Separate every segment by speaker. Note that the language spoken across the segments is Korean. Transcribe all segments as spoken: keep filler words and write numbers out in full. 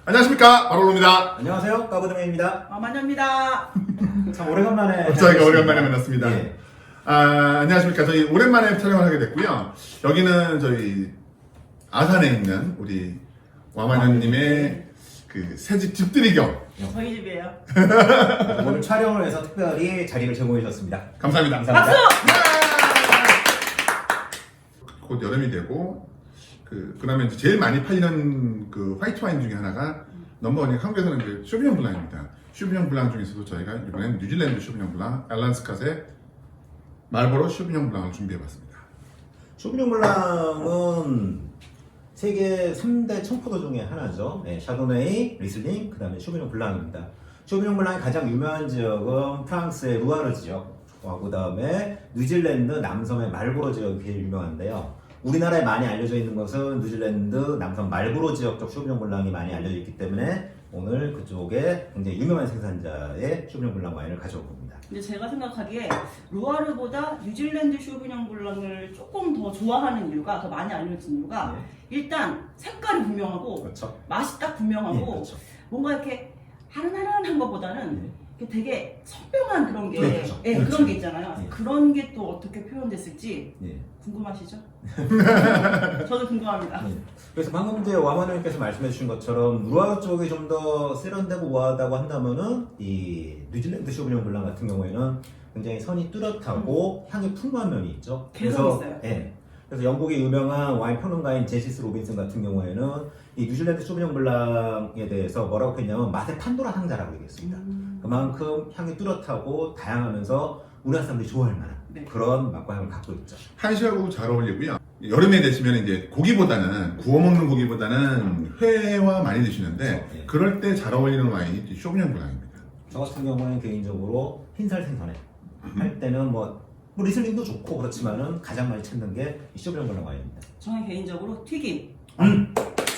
Speaker 1: 안녕하십니까, 바로로입니다.
Speaker 2: 안녕하세요, 까부드맨입니다.
Speaker 3: 아, 만녀입니다.
Speaker 2: 참 오래간만에
Speaker 1: 저희가 오랜만에 만났습니다.
Speaker 2: 예.
Speaker 1: 아, 안녕하십니까. 저희 오랜만에 촬영을 하게 됐고요. 여기는 저희 아산에 있는 우리 와마녀님의 그 새집 집들이 겸.
Speaker 3: 저희 집이에요.
Speaker 2: 오늘 촬영을 위해서 특별히 자리를 제공해 주셨습니다.
Speaker 1: 감사합니다.
Speaker 2: 감사합니다.
Speaker 1: 곧 여름이 되고, 그, 그 다음에 제일 많이 팔리는 그 화이트 와인 중에 하나가 넘버원이 한국에서는 이제 쇼비뇽 블랑입니다. 쇼비뇽 블랑 중에서도 저희가 이번엔 뉴질랜드 쇼비뇽 블랑, 앨런 스캇의 말보로 쇼비뇽 블랑을 준비해봤습니다.
Speaker 2: 쇼비뇽 블랑은 세계 삼 대 청포도 중에 하나죠. 네, 샤도네이, 리슬링, 그 다음에 쇼비뇽 블랑입니다. 쇼비뇽 블랑이 가장 유명한 지역은 프랑스의 루아르 지역, 그 다음에 뉴질랜드 남섬의 말보로 지역이 제일 유명한데요. 우리나라에 많이 알려져 있는 것은 뉴질랜드 남섬 말보로 지역 쪽 쇼비뇽 블랑이 많이 알려져 있기 때문에 오늘 그쪽에 굉장히 유명한 생산자의 쇼비뇽 블랑 와인을 가져올 겁니다.
Speaker 3: 근데 제가 생각하기에 루아르보다 뉴질랜드 쇼비뇽 블랑을 조금 더 좋아하는 이유가, 더 많이 알려진 이유가
Speaker 2: 네.
Speaker 3: 일단 색깔이 분명하고
Speaker 2: 그렇죠.
Speaker 3: 맛이 딱 분명하고
Speaker 2: 네, 그렇죠.
Speaker 3: 뭔가 이렇게 하른하른한 것보다는
Speaker 2: 네.
Speaker 3: 이렇게 되게 선명한 그런 게,
Speaker 2: 그렇죠.
Speaker 3: 예,
Speaker 2: 그렇죠.
Speaker 3: 그런 게 있잖아요.
Speaker 2: 네.
Speaker 3: 그런 게 또 어떻게 표현됐을지
Speaker 2: 네.
Speaker 3: 궁금하시죠? 저도 궁금합니다.
Speaker 2: 네. 그래서 방금 이제 와마님께서 말씀해 주신 것처럼 루아르 쪽이 좀 더 세련되고 우아하다고 한다면은 이 뉴질랜드 쇼비뇽 블랑 같은 경우에는 굉장히 선이 뚜렷하고 향이 풍부한 면이 있죠.
Speaker 3: 개성 있어요.
Speaker 2: 예. 그래서 영국의 유명한 와인 평론가인 제시스 로빈슨 같은 경우에는 이 뉴질랜드 쇼비뇽 블랑에 대해서 뭐라고 했냐면 맛의 판도라 상자라고 얘기했습니다.
Speaker 3: 음.
Speaker 2: 그만큼 향이 뚜렷하고 다양하면서 우리나라 사람들이 좋아할 만한
Speaker 3: 네.
Speaker 2: 그런 맛과 향을 갖고 있죠.
Speaker 1: 한식하고 잘 어울리고요. 여름에 되시면 이제 고기보다는 구워 먹는 고기보다는 회와 많이 드시는데
Speaker 2: 그렇죠. 예.
Speaker 1: 그럴 때 잘 어울리는 와인이 쇼비뇽 블랑입니다.
Speaker 2: 저 같은 경우는 개인적으로 흰살 생선회 할 때는 뭐, 뭐 리슬링도 좋고 그렇지만은 가장 많이 찾는 게 이 쇼비뇽 블랑 와인입니다.
Speaker 3: 저는 개인적으로 튀김.
Speaker 2: 음.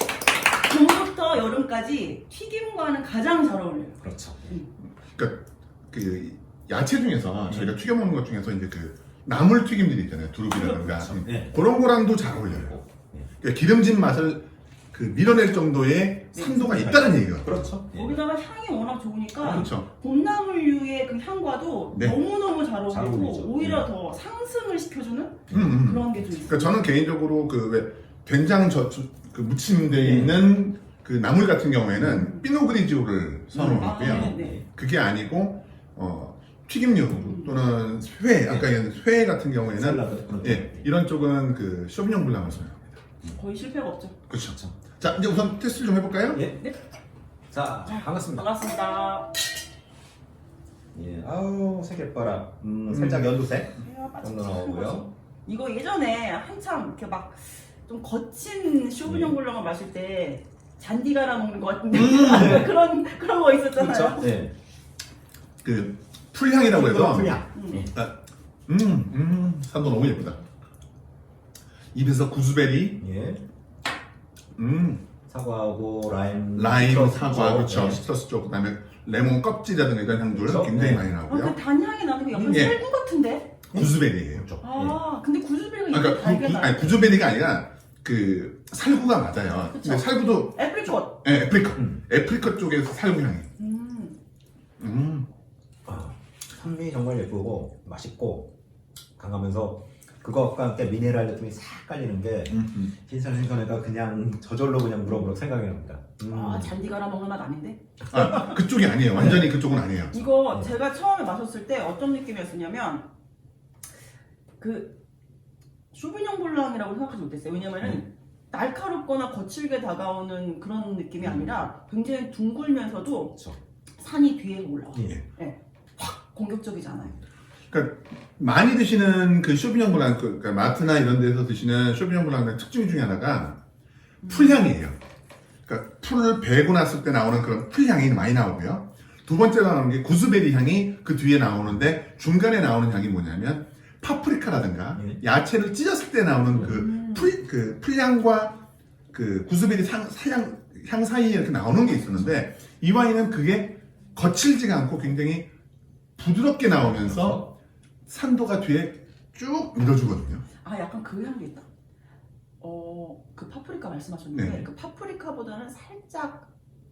Speaker 3: 봄부터 여름까지 튀김과는 가장 잘 어울려요.
Speaker 2: 그렇죠.
Speaker 1: 그러니까 그 야채 중에서 저희가 튀겨 먹는 것 중에서 이제 그 나물 튀김들이 있잖아요. 두릅이라든가
Speaker 2: 그렇죠. 네.
Speaker 1: 그런 거랑도 잘 어울려요.
Speaker 2: 네.
Speaker 1: 그러니까 기름진 맛을 그 밀어낼 정도의 산도가 있다는 얘기가.
Speaker 2: 그렇죠. 네.
Speaker 3: 거기다가 향이 워낙 좋으니까
Speaker 1: 그렇죠.
Speaker 3: 봄나물류의 그 향과도
Speaker 1: 네.
Speaker 3: 너무너무 잘
Speaker 2: 잘
Speaker 3: 어울리고
Speaker 2: 어울리죠.
Speaker 3: 오히려
Speaker 2: 네.
Speaker 3: 더 상승을 시켜주는
Speaker 1: 음, 음.
Speaker 3: 그런 게 좀 있어요.
Speaker 1: 그러니까 저는 개인적으로 그 왜 된장 저, 저- 그 무침되어
Speaker 2: 네.
Speaker 1: 있는 그 나물 같은 경우에는 피노그리지오를 선호하고요.
Speaker 3: 아, 네, 네.
Speaker 1: 그게 아니고 어, 튀김류 또는 회, 아까 얘기한 회 같은 경우에는
Speaker 2: 샐러드 그런
Speaker 1: 예, 이런 쪽은 그 쇼비뇽 블랑을 선호합니다.
Speaker 3: 거의 실패가 없죠.
Speaker 1: 그렇죠. 자, 이제 우선 테스트를 좀 해볼까요?
Speaker 2: 예.
Speaker 3: 네.
Speaker 2: 자, 반갑습니다.
Speaker 3: 반갑습니다.
Speaker 2: 예. 아우, 색깔봐라. 음, 살짝 연두색
Speaker 3: 이야,
Speaker 2: 정도 나오고요.
Speaker 3: 이거 예전에 한참 이렇게 막 좀 거친 쇼비뇽
Speaker 2: 네.
Speaker 3: 블랑을 마실 때 잔디 갈아 먹는 것 같은데
Speaker 1: 음.
Speaker 3: 그런 그런 거 있었잖아요.
Speaker 2: 그렇죠. 네.
Speaker 1: 그 풀향이라고 해서
Speaker 2: 풀향.
Speaker 3: 음.
Speaker 2: 예.
Speaker 1: 아, 음, 음, 산도 너무 예쁘다. 입에서 구스베리,
Speaker 2: 예.
Speaker 1: 음,
Speaker 2: 사과하고 라임,
Speaker 1: 라임,
Speaker 2: 시트러스
Speaker 1: 사과,
Speaker 2: 쪽.
Speaker 1: 그렇죠.
Speaker 2: 네.
Speaker 1: 시트러스 쪽, 그다음에 레몬 껍질이라든가 이런 향들
Speaker 2: 그렇죠.
Speaker 1: 굉장히
Speaker 2: 네.
Speaker 1: 많이
Speaker 3: 아,
Speaker 1: 나오고요.
Speaker 3: 그 단향이 나는 게 약간
Speaker 1: 예.
Speaker 3: 살구 같은데?
Speaker 1: 구스베리예요.
Speaker 2: 그렇죠.
Speaker 3: 아, 근데 구스베리가
Speaker 1: 아,
Speaker 3: 이렇게
Speaker 1: 그러니까 구,
Speaker 3: 달게
Speaker 1: 구,
Speaker 3: 나요.
Speaker 1: 아니, 구스베리가 아니라 그 살구가 맞아요.
Speaker 3: 그쵸.
Speaker 1: 근데 살구도
Speaker 3: 애플리콧.
Speaker 1: 예, 애프리컷,
Speaker 2: 음.
Speaker 1: 애프리컷 쪽에서 살구 향이.
Speaker 3: 음.
Speaker 1: 음,
Speaker 2: 아, 산미 정말 예쁘고 맛있고 강하면서 그것과 함께 미네랄 느낌이 싹 깔리는 게
Speaker 1: 음, 음.
Speaker 2: 흰살 생선회가 그냥 저절로 그냥 무럭무럭 생각이 납니다. 음.
Speaker 3: 아, 잔디 갈아 먹는 맛 아닌데?
Speaker 1: 아, 그쪽이 아니에요. 완전히 그쪽은 아니에요.
Speaker 3: 이거
Speaker 2: 네.
Speaker 3: 제가 처음에 마셨을 때 어떤 느낌이었냐면 그 쇼비뇽 블랑이라고 생각하지 못했어요. 왜냐면은
Speaker 2: 음.
Speaker 3: 날카롭거나 거칠게 다가오는 그런 느낌이 아니라 굉장히 둥글면서도
Speaker 2: 그렇죠.
Speaker 3: 산이 뒤에 올라와요.
Speaker 2: 예.
Speaker 3: 네. 확 공격적이잖아요.
Speaker 1: 그러니까 많이 드시는 그 쇼비뇽 블랑, 그, 그러니까 마트나 이런 데서 드시는 쇼비뇽 블랑의 특징 중에 하나가 풀향이에요. 그러니까 풀을 베고 났을 때 나오는 그런 풀향이 많이 나오고요. 두 번째로 나오는 게 구스베리 향이 그 뒤에 나오는데 중간에 나오는 향이 뭐냐면 파프리카라든가
Speaker 2: 예.
Speaker 1: 야채를 찢었을 때 나오는
Speaker 3: 음.
Speaker 1: 그 풀, 그 풀향과 그 구스베리 상, 사향, 향 사이에 이렇게 나오는 게 있었는데 이 와인은 그게 거칠지가 않고 굉장히 부드럽게 나오면서 산도가 뒤에 쭉 밀어주거든요.
Speaker 3: 아, 약간 그 향도 있다. 어, 그 파프리카 말씀하셨는데
Speaker 1: 네.
Speaker 3: 그 파프리카보다는 살짝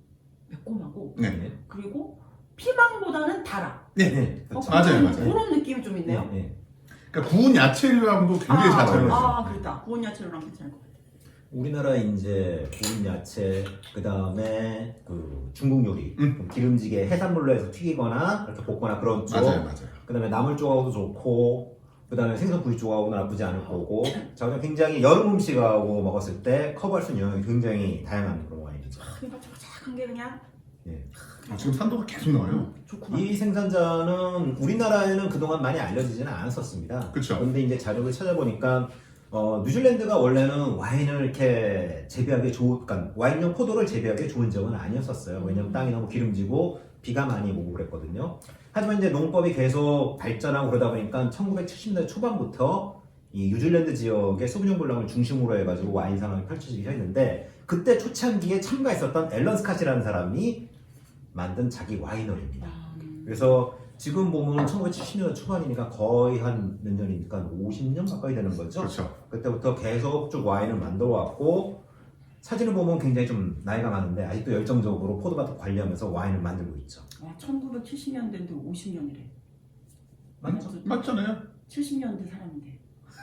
Speaker 3: 매콤하고
Speaker 1: 네.
Speaker 3: 그리고 피망보다는 달아.
Speaker 1: 네.
Speaker 2: 네.
Speaker 3: 어,
Speaker 2: 그렇죠.
Speaker 1: 맞아요,
Speaker 3: 그런,
Speaker 1: 맞아요.
Speaker 3: 그런 느낌이 좀 있네요.
Speaker 2: 네. 네.
Speaker 1: 그러니까 구운 야채류하고도 굉장히 잘
Speaker 3: 아,
Speaker 1: 어울려요.
Speaker 3: 아, 그렇다. 구운 야채로랑 괜찮을 것 같아.
Speaker 2: 우리나라 이제 구운 야채, 그 다음에 그 중국 요리,
Speaker 1: 음.
Speaker 2: 좀 기름지게 해산물로 해서 튀기거나 이렇게 볶거나 그런 쪽.
Speaker 1: 맞아요, 맞아요.
Speaker 2: 그 다음에 나물 쪽하고도 좋고, 그 다음에 생선 구이 쪽하고는 나쁘지 않을 거고, 저는 굉장히 여름 음식하고 먹었을 때 커버할 수 있는 영역이 굉장히 다양한 그런 와인이죠.
Speaker 3: 그러니까 착한 게 그냥
Speaker 1: 어, 지금 산도가 계속 나와요.
Speaker 3: 좋구나.
Speaker 2: 이 생산자는 우리나라에는 그동안 많이 알려지지는 않았었습니다.
Speaker 1: 그쵸.
Speaker 2: 그런데 이제 자료를 찾아보니까 어, 뉴질랜드가 원래는 와인을 이렇게 재배하기 좋은, 그러니까 와인용 포도를 재배하기 좋은 지역은 아니었었어요. 왜냐면 땅이 너무 기름지고 비가 많이 오고 그랬거든요. 하지만 이제 농법이 계속 발전하고 그러다 보니까 천구백칠십 년대 초반부터 이 뉴질랜드 지역의 소비뇽 블랑을 중심으로 해가지고 와인 상황이 펼쳐지기 시작했는데 그때 초창기에 참가했었던 앨런 스캇이라는 사람이 만든 자기 와이너리입니다.
Speaker 3: 음.
Speaker 2: 그래서 지금 보면 천구백칠십 년대 초반이니까 거의 한 몇 년이니까 오십 년 가까이 되는 거죠.
Speaker 1: 그렇죠.
Speaker 2: 그때부터 계속 쭉 와인을 만들어 왔고 사진을 보면 굉장히 좀 나이가 많은데 아직도 열정적으로 포도밭을 관리하면서 와인을 만들고 있죠.
Speaker 3: 와, 천구백칠십 년대인데 오십 년이래.
Speaker 2: 맞죠?
Speaker 1: 맞잖아요.
Speaker 3: 칠십 년대 사람인데.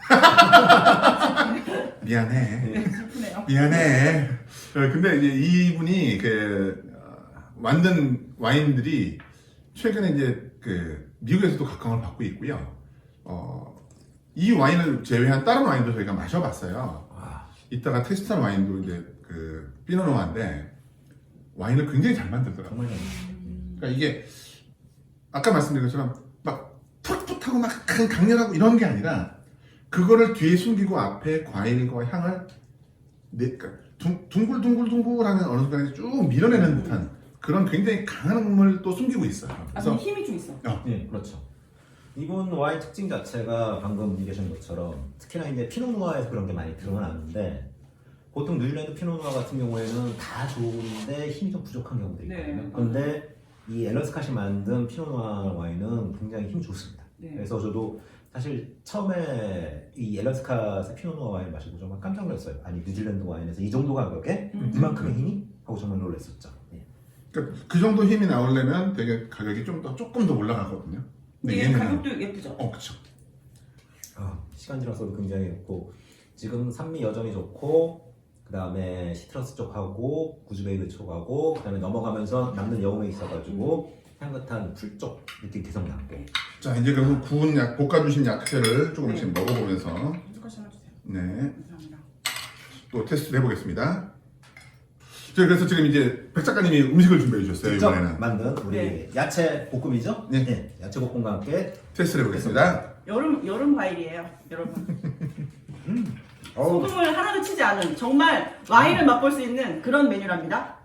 Speaker 1: 미안해.
Speaker 2: 네.
Speaker 3: 슬프네요.
Speaker 1: 미안해. 어, 근데 이제 이분이 그 어, 만든 와인들이 최근에 이제 그 미국에서도 각광을 받고 있고요. 어, 이 와인을 제외한 다른 와인도 저희가 마셔봤어요.
Speaker 2: 와,
Speaker 1: 이따가 테스트한 와인도 이제 그 피노누아인데 와인을 굉장히 잘 만들더라고요.
Speaker 2: 정말
Speaker 3: 음.
Speaker 1: 그러니까 이게 아까 말씀드린 것처럼 막 풋풋하고 막 강렬하고 이런 게 아니라 그거를 뒤에 숨기고 앞에 과일과 향을 내, 그러니까 둥, 둥글둥글둥글하는 어느 순간에 쭉 밀어내는 듯한 그런 굉장히 강한 음을 또 숨기고 있어요.
Speaker 3: 아,
Speaker 1: 그래서
Speaker 3: 근데 힘이 좀 있어.
Speaker 2: 네, 그렇죠. 이번 와인 특징 자체가 방금 얘기하신 것처럼 특히나 이제 피노누아에서 그런 게 많이 드러나는데 보통 뉴질랜드 피노누아 같은 경우에는 다 좋은데 힘이 좀 부족한 경우도
Speaker 3: 네.
Speaker 2: 있거든요. 그런데 이 앨런 스캇이 만든 피노누아 와인은 굉장히 힘이 좋습니다.
Speaker 3: 네.
Speaker 2: 그래서 저도 사실 처음에 이 앨런 스캇의 피노누아 와인 마시고 정말 깜짝 놀랐어요. 아니 뉴질랜드 와인에서 이 정도 가격에
Speaker 3: 음.
Speaker 2: 이만큼의 힘이? 하고 정말 놀랐었죠. 예.
Speaker 1: 그러니까 그 정도 힘이 나오려면 되게 가격이 좀 더 조금 더 올라가거든요. 근데
Speaker 3: 이게
Speaker 1: 얘는
Speaker 3: 가격도 예쁘죠?
Speaker 1: 어 그렇죠.
Speaker 2: 아, 시간 지나서도 굉장히 좋고 지금 산미 여전히 좋고 그 다음에 시트러스 쪽하고 구즈베이브 쪽하고 그 다음에 넘어가면서 남는 여음에 있어가지고 향긋한 풀 쪽 느낌 계속 남고
Speaker 1: 자 이제 그럼 구운 약 볶아주신 야채를 조금씩
Speaker 3: 네.
Speaker 1: 먹어보면서
Speaker 3: 한숟갈씩 하나 주세요.
Speaker 1: 네.
Speaker 3: 감사합니다.
Speaker 1: 또 테스트를 해보겠습니다. 저희 그래서 지금 이제 백 작가님이 음식을 준비해 주셨어요.
Speaker 2: 직접
Speaker 1: 이번에는
Speaker 2: 만든 우리
Speaker 3: 네.
Speaker 2: 야채 볶음이죠?
Speaker 1: 네.
Speaker 2: 야채 볶음과 함께
Speaker 1: 테스트를 해보겠습니다.
Speaker 3: 여름 여름 과일이에요, 여러분.
Speaker 2: 어우,
Speaker 3: 소금을 하나도 치지 않은 정말 와인을 맛볼 수 있는 그런 메뉴랍니다.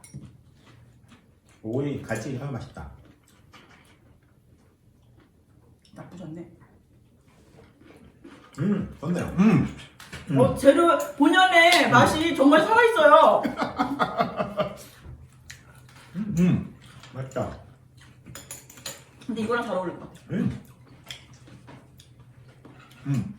Speaker 2: 오이 같이 하면 맛있다.
Speaker 3: 나쁘지 않네.
Speaker 2: 음, 좋네요.
Speaker 1: 음,
Speaker 2: 음.
Speaker 3: 어, 재료 본연의 맛이 정말 살아 있어요.
Speaker 1: 음,
Speaker 2: 맛있다.
Speaker 3: 근데 이거랑 잘 어울릴 것 같아.
Speaker 2: 음.
Speaker 1: 음.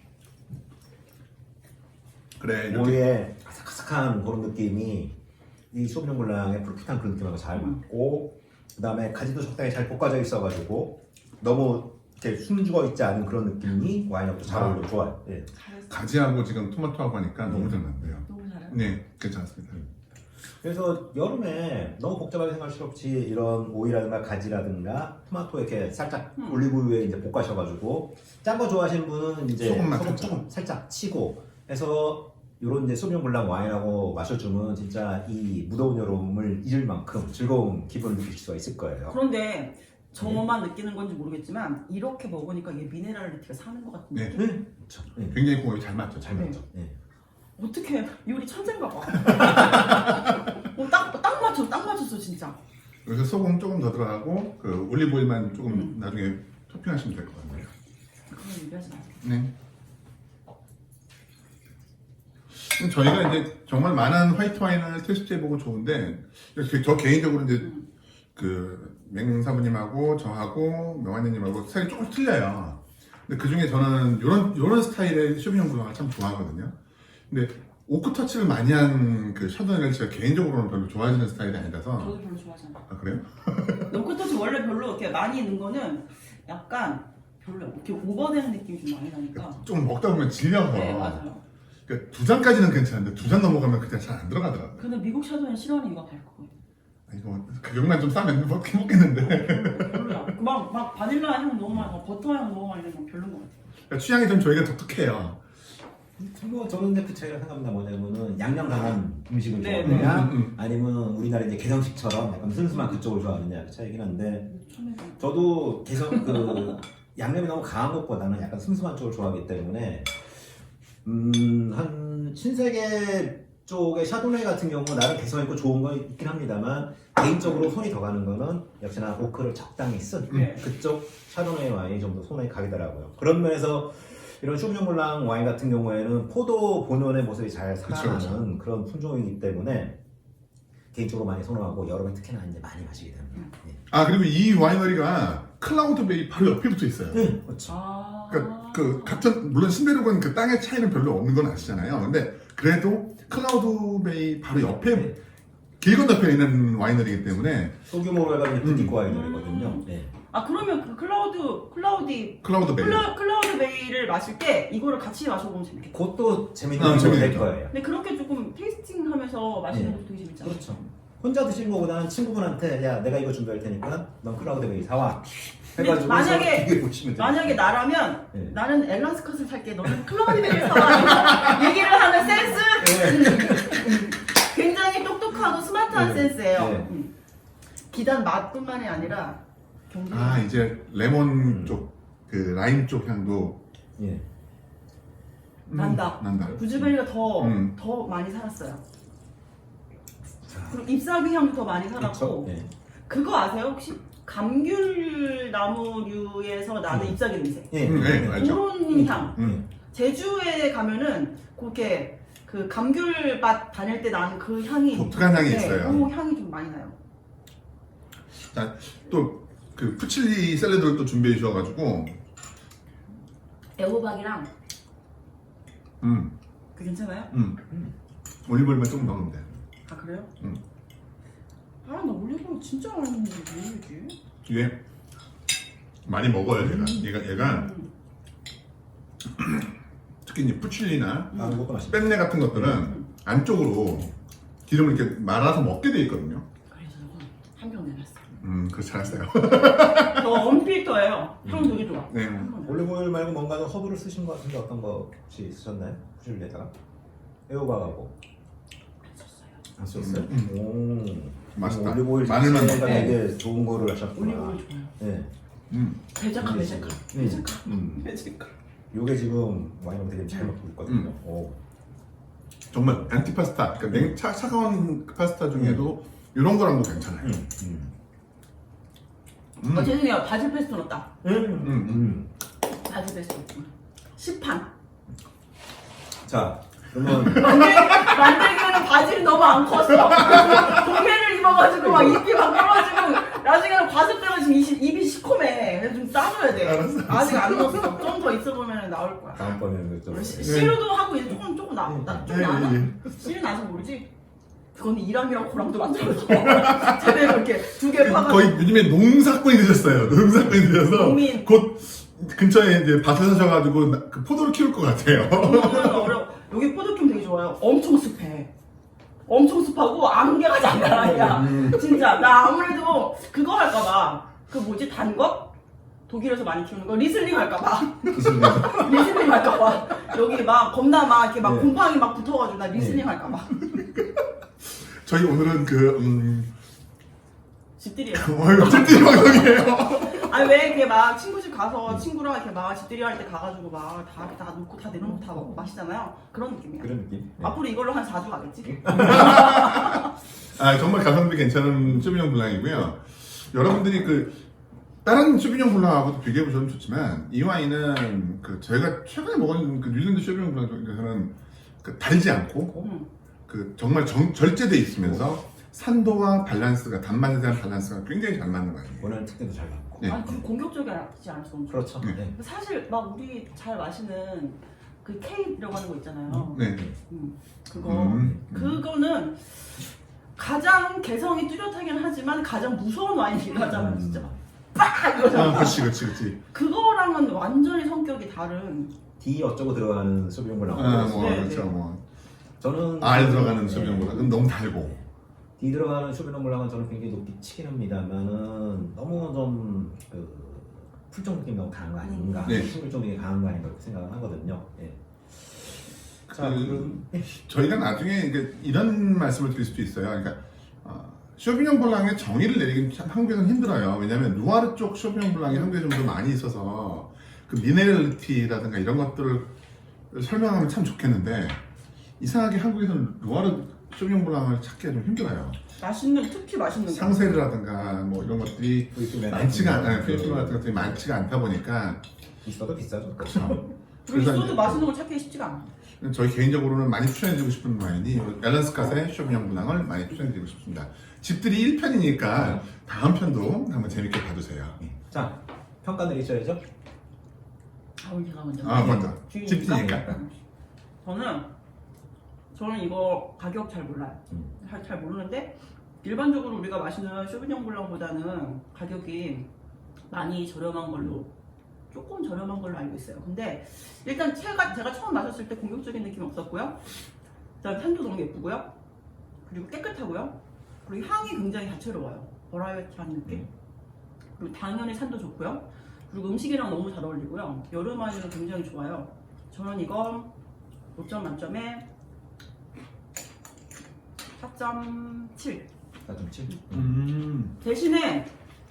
Speaker 1: 그래 이렇게
Speaker 2: 오이의 아삭아삭한 그런 느낌이 이 소비뇽 블랑의 푸릇푸릇한 그런 느낌하고 잘 맞고 그 다음에 가지도 적당히 잘 볶아져 있어가지고 너무 이렇게 숨죽어 있지 않은 그런 느낌이 와인하고 잘 어울려 좋아요. 예.
Speaker 3: 잘했어.
Speaker 1: 가지하고 지금 토마토하고 하니까 너무 잘 맞네요.
Speaker 3: 너무 잘해.
Speaker 1: 네, 괜찮습니다.
Speaker 2: 그래서 여름에 너무 복잡하게 생각할 필요 없이 이런 오이라든가 가지라든가 토마토 이렇게 살짝
Speaker 3: 음.
Speaker 2: 올리브유에 이제 볶아셔가지고 짠 거 좋아하시는 분은 이제
Speaker 1: 소금만
Speaker 2: 소금
Speaker 1: 살짝.
Speaker 2: 조금 살짝 치고 해서 이런 이제 소비뇽 블랑 와인하고 마셔주면 진짜 이 무더운 여름을 잊을 만큼 즐거운 기분을 느낄 수가 있을 거예요.
Speaker 3: 그런데 저만 느끼는 건지 모르겠지만 이렇게 먹으니까 이게 미네랄리티가 사는 것 같은
Speaker 1: 네.
Speaker 3: 느낌?
Speaker 2: 네, 그렇죠. 네.
Speaker 1: 굉장히 궁합이 잘 맞죠.
Speaker 2: 잘 맞죠. 네.
Speaker 3: 어떻게 요리 천재인가 봐. 어, 딱, 딱 맞췄어, 딱 맞췄어 진짜.
Speaker 1: 그래서 소금 조금 더 들어가고 그 올리브 오일만 조금
Speaker 3: 음.
Speaker 1: 나중에 토핑하시면 될 것 같네요.
Speaker 3: 그건 얘기하지 마.
Speaker 1: 네. 그럼 저희가 이제 정말 많은 화이트 와인을 테스트해보고 좋은데 이렇게 저 개인적으로 이제
Speaker 3: 음.
Speaker 1: 그 맹사부님하고 저하고 명환님하고 스타일이 조금 틀려요. 근데 그 중에 저는 이런 이런 스타일의 쇼비뇽 블랑을 참 좋아하거든요. 근데 오크 터치를 많이 한 그 샤도네를 제가 개인적으로는 별로 좋아하는 스타일이 아니라서.
Speaker 3: 저도 별로 좋아하지 않아요.
Speaker 1: 아 그래요?
Speaker 3: 노크터치 원래 별로 이렇게 많이 있는 거는 약간 별로 이렇게 오버되는 느낌이 좀 많이 나니까.
Speaker 1: 좀 먹다 보면 질려서.
Speaker 3: 네 맞아요.
Speaker 1: 그러니까 두 잔까지는 괜찮은데 두 잔 넘어가면 그냥 잘 안 들어가더라고요.
Speaker 3: 근데 미국 샤도는 싫어하는 이유가 다 있거든요.
Speaker 1: 아, 이거 가격만 좀 싸면 먹긴 먹겠는데.
Speaker 3: 별로야. 막, 막 바닐라 향 너무 많이, 막 버터 향 너무 많이 나면 별로인 것 같아요.
Speaker 1: 그러니까 취향이 좀 저희가 독특해요.
Speaker 2: 뭐 저는 근데 그 차이가 생각나 뭐냐면은 양념 강한 음식을
Speaker 3: 네,
Speaker 2: 좋아하느냐
Speaker 1: 음, 음, 음.
Speaker 2: 아니면 우리나라 이제 개성식처럼 약간 슴슴한 그쪽을 좋아하느냐 그 차이긴 한데
Speaker 3: 처음에
Speaker 2: 저도 개성 그 양념이 너무 강한 것보다는 약간 슴슴한 쪽을 좋아하기 때문에 음한 신세계 쪽의 샤도네 같은 경우 나름 개성 있고 좋은 거 있긴 합니다만 개인적으로 손이 더 가는 거는 역시나 오크를 적당히 쓴
Speaker 3: 네.
Speaker 2: 그쪽 샤도네 와인이 좀 더 손에 가더라고요. 그런 면에서 이런 쇼비뇽 블랑 와인 같은 경우에는 포도 본연의 모습이 잘 살아나는
Speaker 1: 그쵸, 그쵸.
Speaker 2: 그런 품종이기 때문에 개인적으로 많이 선호하고 여름에 특히나 이제 많이 마시게 됩니다. 네.
Speaker 1: 아 그리고 이 와이너리가 클라우드 베이 바로 옆에 붙어 있어요.
Speaker 2: 네, 그렇죠.
Speaker 3: 아.
Speaker 1: 그러니까 그 같은 물론 신베르그는 그 땅의 차이는 별로 없는 건 아시잖아요. 근데 그래도 클라우드 베이 바로 옆에
Speaker 2: 네.
Speaker 1: 길 건너편에 있는 와이너리이기 때문에
Speaker 2: 소규모로 해가지고
Speaker 1: 음.
Speaker 2: 부티크 와인이거든요. 네.
Speaker 3: 아 그러면 그 클라우드 클라우디
Speaker 1: 클라우드 베이.
Speaker 3: 클라, 클라우드 베이를 마실 때 이거를 같이 마셔보면 재밌겠다.
Speaker 2: 그것도 재밌는
Speaker 1: 아,
Speaker 2: 거 될
Speaker 1: 재밌겠죠.
Speaker 2: 거예요.
Speaker 3: 근데 그렇게 조금 테이스팅하면서 마시는
Speaker 2: 네.
Speaker 3: 것도 되게 재밌잖아요.
Speaker 2: 그렇죠. 혼자 드시는 것보다는 친구분한테 야 내가 이거 준비할 테니까 넌 클라우드 베이 사와 해가지고
Speaker 3: 근데 만약에-
Speaker 2: 서로 비교해 보시면 돼요.
Speaker 3: 만약에 나라면
Speaker 2: 네.
Speaker 3: 나는 앨런 스컷을 살게 너는 클라우드 베이를 사와 얘기를 하는 센스 음. 굉장히 똑똑하고 스마트한
Speaker 2: 네.
Speaker 3: 센스예요.
Speaker 2: 네.
Speaker 3: 음. 기단 맛뿐만이 아니라 경쟁.
Speaker 1: 아 이제 레몬
Speaker 2: 음.
Speaker 1: 쪽 그 라임 쪽 향도
Speaker 2: 예.
Speaker 1: 음,
Speaker 3: 난다.
Speaker 1: 난다.
Speaker 3: 구즈베리가 더,
Speaker 1: 음.
Speaker 3: 더 많이 살았어요.
Speaker 2: 자,
Speaker 3: 그리고 잎사귀 향도 더 많이
Speaker 2: 그렇죠.
Speaker 3: 살았고
Speaker 2: 네.
Speaker 3: 그거 아세요? 혹시 감귤 나무류에서 나는
Speaker 2: 음.
Speaker 3: 잎사귀 냄새
Speaker 2: 예.
Speaker 1: 음, 네, 알죠.
Speaker 3: 그런 향
Speaker 1: 음.
Speaker 3: 제주에 가면은 그렇게 그 감귤밭 다닐 때 나는 그 향이
Speaker 1: 독특한 향이
Speaker 3: 네,
Speaker 1: 있어요.
Speaker 3: 그 향이 좀 많이 나요.
Speaker 1: 또 그 푸칠리 샐러드를 또 준비해 주셔가지고
Speaker 3: 애호박이랑
Speaker 1: 음,
Speaker 3: 그 괜찮아요?
Speaker 1: 음. 올리브오일만 조금 넣으면 돼.
Speaker 3: 아 그래요?
Speaker 1: 음.
Speaker 3: 아 나 올리브오일 진짜 많이 먹는데 왜 이러지?
Speaker 1: 이게 많이 먹어요 얘가. 얘가 얘가
Speaker 3: 음.
Speaker 1: 특히 이제 푸칠리나
Speaker 2: 아, 이것도 맛있다.
Speaker 1: 뺀내 같은 것들은
Speaker 3: 음.
Speaker 1: 안쪽으로 기름을 이렇게 말아서 먹게 돼 있거든요.
Speaker 3: 그래서 한병 내놨어요.
Speaker 1: 음, 그래서 잘했어요.
Speaker 3: 저 언필터예요. 향 되게 좋아.
Speaker 1: 네.
Speaker 2: 올리브오일 말고 뭔가 더 허브를 쓰신 것 같은데 어떤 거 혹시 쓰셨나요? 후줄리에다가 애호박하고 안 썼어요?
Speaker 1: 음.
Speaker 2: 오,
Speaker 1: 맛있다.
Speaker 2: 올리브오일
Speaker 1: 마늘만
Speaker 2: 자체가
Speaker 3: 넣고.
Speaker 2: 되게 좋은 거를 하셨구나.
Speaker 3: 올리브오일 좋아요.
Speaker 2: 네.
Speaker 1: 음,
Speaker 3: 배작가 배작가
Speaker 2: 음.
Speaker 3: 배작가
Speaker 2: 음.
Speaker 3: 배작가.
Speaker 2: 요게 지금 와인을 되게 잘 먹고 있거든요.
Speaker 1: 음.
Speaker 2: 오.
Speaker 1: 정말 안티파스타, 그러니까 냉, 차, 차가운 파스타 중에도 이런 거랑도 괜찮아요.
Speaker 2: 음. 음.
Speaker 1: 음.
Speaker 3: 어 죄송해요. 바질 페스토 넣었다.
Speaker 2: 음.
Speaker 1: 음.
Speaker 2: 음.
Speaker 3: 바질 페스토. 시판.
Speaker 2: 자, 그러면
Speaker 3: 만들, 만들기에는 바질이 너무 안 컸어. 동해를 입어가지고 막 입이 막 떨어지고 나중에는 과습되면 지금 입이, 입이 시커매. 그래서 좀 따줘야 돼.
Speaker 1: 알았어, 알았어.
Speaker 3: 아직 안 넣었어. 좀 더 있어 보면 나올 거야.
Speaker 2: 다음번에는 좀
Speaker 3: 시- 시루도 하고 이제 조금 조금 나, 나, 좀
Speaker 1: 네,
Speaker 3: 나나?
Speaker 1: 네,
Speaker 3: 시루 나서 모르지? 그건 이랑이랑 고랑도 만들어서 제대로 이렇게 두 개 파가지고
Speaker 1: 거의 요즘에 농사꾼이 되셨어요. 농사꾼이 되셔서
Speaker 3: 농민.
Speaker 1: 곧 근처에 이제 밭을 사셔가지고 나- 그 포도를 키울 것 같아요.
Speaker 3: 그거는 어려. 여기 포도좀 되게 좋아요. 엄청 습해. 엄청 습하고 안개가 장난 아니야.
Speaker 1: 음.
Speaker 3: 진짜 나 아무래도 그거 할까봐 그 뭐지 단 것? 독일에서 많이 키우는 거 리슬링 할까봐 리슬링 할까봐 여기 막 겁나 막 이렇게 막
Speaker 2: 네.
Speaker 3: 곰팡이 막 붙어가지고 나 리슬링
Speaker 2: 네.
Speaker 3: 할까봐
Speaker 1: 저희 오늘은 그 음,
Speaker 3: 집들이에요.
Speaker 1: 어, 찜질 방송이에요.
Speaker 3: 아니 왜 이렇게 막 친구 집 가서 친구랑 이렇게 막 집들이 할 때 가가지고 막 다 다 놓고 다 내놓고 다 먹고 마시잖아요. 그런 느낌이야.
Speaker 2: 그런 느낌. 네.
Speaker 3: 앞으로 이걸로 한 사 주 가겠지?
Speaker 1: 아 정말 가성비 괜찮은 쇼비뇽 블랑이고요. 여러분들이 그 다른 쇼비뇽 블랑하고도 비교해 보셔도 좋지만 이 와인은 그 저희가 최근에 먹은 그 뉴질랜드 쇼비뇽 블랑 중에서는 그 달지 않고
Speaker 3: 음.
Speaker 1: 그 정말 정, 절제돼 있으면서 산도와 밸런스가 단맛에 대한 밸런스가 굉장히 잘 맞는 와인이에요.
Speaker 2: 원하는 특징도 잘 맞고.
Speaker 1: 네.
Speaker 3: 아니 그리고 공격적이지 않아서 너무 좋아.
Speaker 2: 그렇죠.
Speaker 1: 네.
Speaker 2: 네.
Speaker 3: 사실 막 우리 잘 마시는 그 K 들어가는 거 있잖아요.
Speaker 1: 네.
Speaker 3: 음, 그거
Speaker 1: 음.
Speaker 3: 그거는 가장 개성이 뚜렷하긴 하지만 가장 무서운 와인이긴 하잖아요, 진짜. 빡!
Speaker 1: 아,
Speaker 3: 이거잖아.
Speaker 1: 그렇지, 그렇지, 그렇지.
Speaker 3: 그거랑은 완전히 성격이 다른.
Speaker 2: D 어쩌고 들어가는 쇼비뇽 블랑.
Speaker 1: 아, 뭐
Speaker 3: 네,
Speaker 1: 그렇죠,
Speaker 3: 네.
Speaker 1: 뭐
Speaker 2: 저는
Speaker 1: 알 들어가는
Speaker 2: 네.
Speaker 1: 쇼비뇽보다 그건 너무 달고.
Speaker 2: D 들어가는 쇼비뇽 블랑은 저는 굉장히 높이 치긴 합니다만은 너무 좀 그, 풀종 느낌이 너무 강한 거 아닌가,
Speaker 1: 네.
Speaker 2: 식물종 느낌이 강한 거 아닌가 이렇게 생각을 하거든요. 예. 자,
Speaker 1: 그-
Speaker 2: 그럼 예.
Speaker 1: 저희가 나중에 이제 이런 말씀을 드릴 수도 있어요. 그러니까 어, 쇼비뇽 블랑의 정의를 내리긴 참 한국에서는 힘들어요. 왜냐하면 누아르 쪽 쇼비뇽 블랑이 한국에 좀 더 많이 있어서 그 미네랄리티라든가 이런 것들을 설명하면 참 좋겠는데 이상하게 한국에서는 누아르 쇼비뇽 블랑을 찾기가 좀 힘들어요.
Speaker 3: 맛있는, 특히 맛있는 거.
Speaker 1: 상세르라든가 뭐 이런 것들이
Speaker 2: 필리핀에
Speaker 1: 많지가
Speaker 2: 나오는
Speaker 1: 않아요. 필리핀 같은 것들이 많지가 않다 보니까
Speaker 2: 있어도 비싸죠.
Speaker 1: 그렇죠.
Speaker 3: 그리고 있어도
Speaker 1: 이제
Speaker 3: 맛있는 걸 찾기 쉽지가 않아.
Speaker 1: 저희 개인적으로는 많이 추천해드리고 싶은 와인이 앨런스캇의 쇼비뇽 블랑을 많이 추천해드리고 싶습니다. 집들이 일 편이니까 다음 편도 한번 재밌게 봐주세요.
Speaker 2: 자, 평가 내리셔야죠.
Speaker 3: 아, 오늘 제가 먼저.
Speaker 1: 아 먼저
Speaker 3: 주인이니까?
Speaker 1: 집들이니까.
Speaker 3: 저는 저는 이거 가격 잘 몰라요.
Speaker 2: 음.
Speaker 3: 잘, 잘 모르는데 일반적으로 우리가 마시는 쇼비뇽 블랑보다는 가격이 많이 저렴한 걸로 조금 저렴한 걸로 알고 있어요. 근데 일단 제가, 제가 처음 마셨을 때 공격적인 느낌이 없었고요. 그다음 산도 너무 예쁘고요. 그리고 깨끗하고요. 그리고 향이 굉장히 다채로워요. 버라이어티한 느낌. 그리고 당연히 산도 좋고요. 그리고 음식이랑 너무 잘 어울리고요. 여름 와인은 굉장히 좋아요. 저는 이거 오 점 만점에 사 점 칠.
Speaker 2: 사 점 칠.
Speaker 1: 음.
Speaker 3: 대신에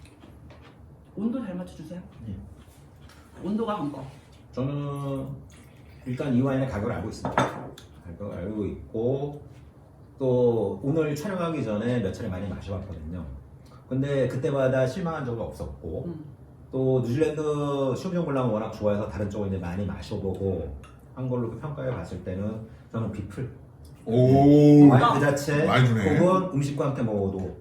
Speaker 3: 온도 잘 맞춰주세요.
Speaker 2: 네.
Speaker 3: 온도가 한 거.
Speaker 2: 저는 일단 이 와인의 가격을 알고 있습니다. 가격을 알고 있고 또 오늘 촬영하기 전에 몇 차례 많이 마셔봤거든요. 근데 그때마다 실망한 적은 없었고
Speaker 3: 음.
Speaker 2: 또 뉴질랜드 쇼비뇽 블랑을 워낙 좋아해서 다른 쪽을 이제 많이 마셔보고 한 걸로 그 평가해 봤을 때는 저는 비플
Speaker 1: 오.
Speaker 2: 와인 그 자체
Speaker 1: 많이 주네.
Speaker 2: 혹은 음식과 함께 먹어도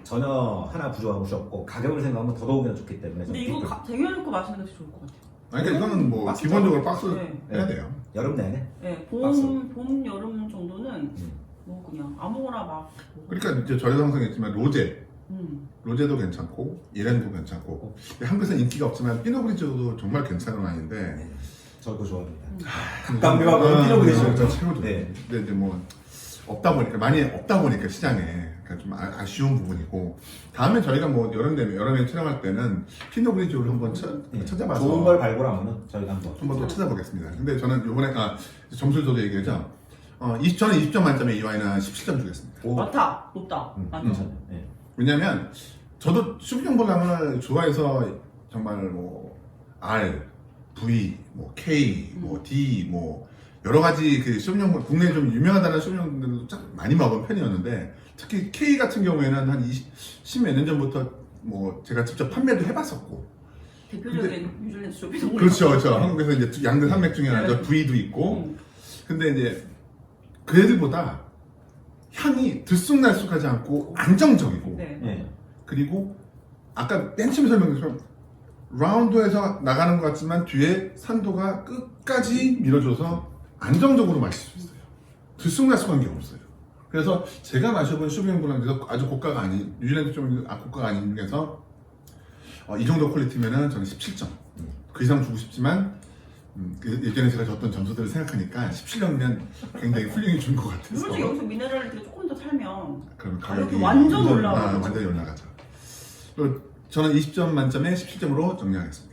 Speaker 2: 전혀 하나 부족한 것이 없고 가격을 생각하면 더더욱이나 좋기 때문에
Speaker 3: 근데
Speaker 2: 저는
Speaker 3: 이거
Speaker 2: 비플.
Speaker 3: 가- 쟁여놓고 마시는 게 좋을 것 같아요.
Speaker 1: 아니, 그러니까 이거는 뭐
Speaker 2: 박스
Speaker 1: 기본적으로 박스
Speaker 3: 네.
Speaker 1: 해야 돼요.
Speaker 2: 여름 내내
Speaker 3: 네,
Speaker 2: 박스.
Speaker 3: 봄, 봄, 여름 정도는
Speaker 2: 음.
Speaker 3: 뭐 그냥 아무거나 막. 먹어도-
Speaker 1: 그러니까 이제 저희도 항상 했지만 로제,
Speaker 3: 음.
Speaker 1: 로제도 괜찮고 이렌도 괜찮고 한국에서는 인기가 없지만 피노그리지오도 정말 괜찮은 와인인데
Speaker 2: 네. 저도 좋아합니다.
Speaker 3: 음.
Speaker 2: 감미와 그런 피노그리지오.
Speaker 1: 저 최고죠.
Speaker 2: 네.
Speaker 1: 근데 이제 뭐 없다 보니까 많이 없다 보니까 시장에 그러니까 좀 아, 아쉬운 부분이고 다음에 저희가 뭐 여름 되면 여름에 촬영할 때는 피노그리지오를 한번 쳐,
Speaker 2: 네.
Speaker 1: 찾아봐서
Speaker 2: 좋은 걸 발굴하면은 저희가 한번
Speaker 1: 한번 또 찾아보겠습니다. 근데 저는 이번에 아, 점수를 저도 얘기하죠. 어, 이십, 저는 이십 점 만점에 이 와인은 십칠 점 주겠습니다.
Speaker 2: 오,
Speaker 3: 많다, 높다.
Speaker 2: 음,
Speaker 3: 많다.
Speaker 2: 괜찮아요. 네.
Speaker 1: 왜냐면 저도 쇼비뇽 블랑을 좋아해서 정말 뭐 R, V, 뭐 K, 뭐 D, 뭐 여러 가지 그 쇼비뇽 국내에 좀 유명하다는 쇼비뇽들도 참 많이 먹은 편이었는데 특히 K 같은 경우에는 한 이십 몇 년 전부터 뭐 제가 직접 판매도 해봤었고
Speaker 3: 대표적인 뉴질랜드 쇼핑.
Speaker 1: 그렇죠, 그렇죠. 한국에서 이제 양대 산맥 중에 하나죠.
Speaker 3: 네.
Speaker 1: V도 있고
Speaker 3: 음.
Speaker 1: 근데 이제 그 애들보다 향이 들쑥날쑥하지 않고 안정적이고
Speaker 3: 네.
Speaker 2: 네.
Speaker 1: 그리고 아까 맨 처음에 설명드렸지만 라운드에서 나가는 것 같지만 뒤에 산도가 끝까지 밀어줘서 안정적으로 마실 수 있어요. 들쑥날쑥한 게 없어요. 그래서 제가 마셔본 쇼비뇽 블랑 중에서 아주 고가가 아닌 뉴질랜드 좀 아, 고가가 아닌 중에서 어, 이 정도 퀄리티면은 저는 십칠 점. 그 이상 주고 싶지만 음, 그 예전에 제가 줬던 점수들을 생각하니까 십칠 점이면 굉장히 훌륭히 준 것 같아서
Speaker 3: 솔직히 여기서 미네랄리티가 조금 더 살면
Speaker 1: 그럼
Speaker 3: 가격이
Speaker 1: 가격이
Speaker 3: 완전
Speaker 1: 완전-
Speaker 3: 올라가죠.
Speaker 1: 아, 완전히 올라가죠. 그리고 저는 이십 점 만점에 십칠 점으로 정리하겠습니다.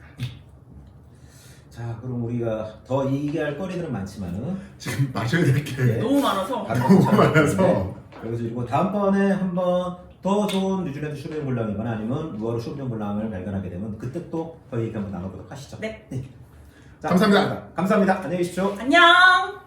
Speaker 2: 자, 그럼 우리가 더 얘기할 거리들은 많지만은
Speaker 1: 지금 마셔야 될 게
Speaker 2: 네.
Speaker 3: 너무 많아서.
Speaker 2: 너무
Speaker 1: 많아서.
Speaker 2: 그래서 그리고 다음번에 한번 더 좋은 뉴질랜드 쇼비뇽 블랑이거나 아니면 누아르 쇼비뇽 블랑을 발견하게 되면 그때 또 더 얘기 한번 나눠보도록 하시죠.
Speaker 3: 네.
Speaker 2: 자,
Speaker 1: 감사합니다.
Speaker 2: 감사합니다. 안녕히 계십시오.
Speaker 3: 안녕!